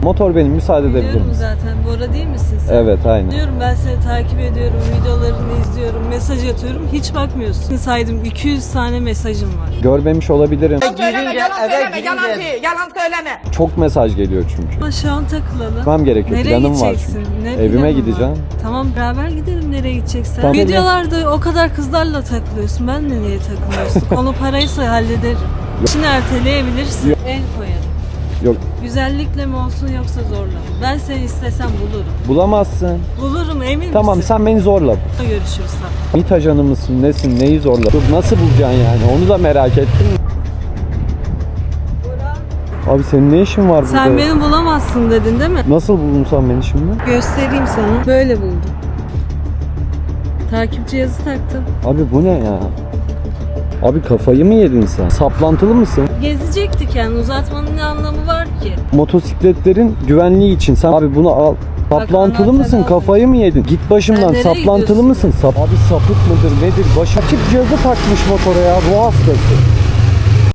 Motor benim, müsaade edebilir Biliyorum misin? zaten. Bora değil misin sen? Evet, aynen. Diyorum, ben seni takip ediyorum, videolarını izliyorum, mesaj atıyorum. Hiç bakmıyorsun. Saydım 200 tane mesajım var. Görmemiş olabilirim. Yalan söyleme. Çok mesaj geliyor çünkü. Ama şu an takılalım. Gitmem gerekiyor. Nereye Planım var gideceksin? çünkü. Ne Evime planın gideceğim. var? Tamam, beraber gidelim nereye gideceksen. Tamam. Videolarda o kadar kızlarla takılıyorsun. Ben de niye takılıyorsun? Konu paraysa hallederim. İşini erteleyebilirsin. El koyarım. Yok, Güzellikle mi olsun yoksa zorla mı? Ben seni istesem bulurum. bulamazsın. Bulurum, emin Tamam, misin? sen beni zorla. Görüşürüz. MİT ajanı mısın, nesin, neyi zorla? Yok, nasıl bulacaksın yani? Onu da merak ettim. Abi senin ne işin var burada? Sen beni bulamazsın dedin değil mi? Nasıl buldun sen beni şimdi? Göstereyim sana. Böyle buldum. Takip cihazı taktım. Abi bu ne ya? Abi kafayı mı yedin sen? Saplantılı mısın? Gezecektik yani, uzatmanın ne anlamı var ki? Motosikletlerin güvenliği için sen abi bunu al. Saplantılı anahtarı mısın? aldım. Kafayı mı yedin? Git başımdan. Sen nereye Saplantılı gidiyorsun? mısın? Abi sapık mıdır nedir? Başa cihazı takmış motora ya. Ruh hastası.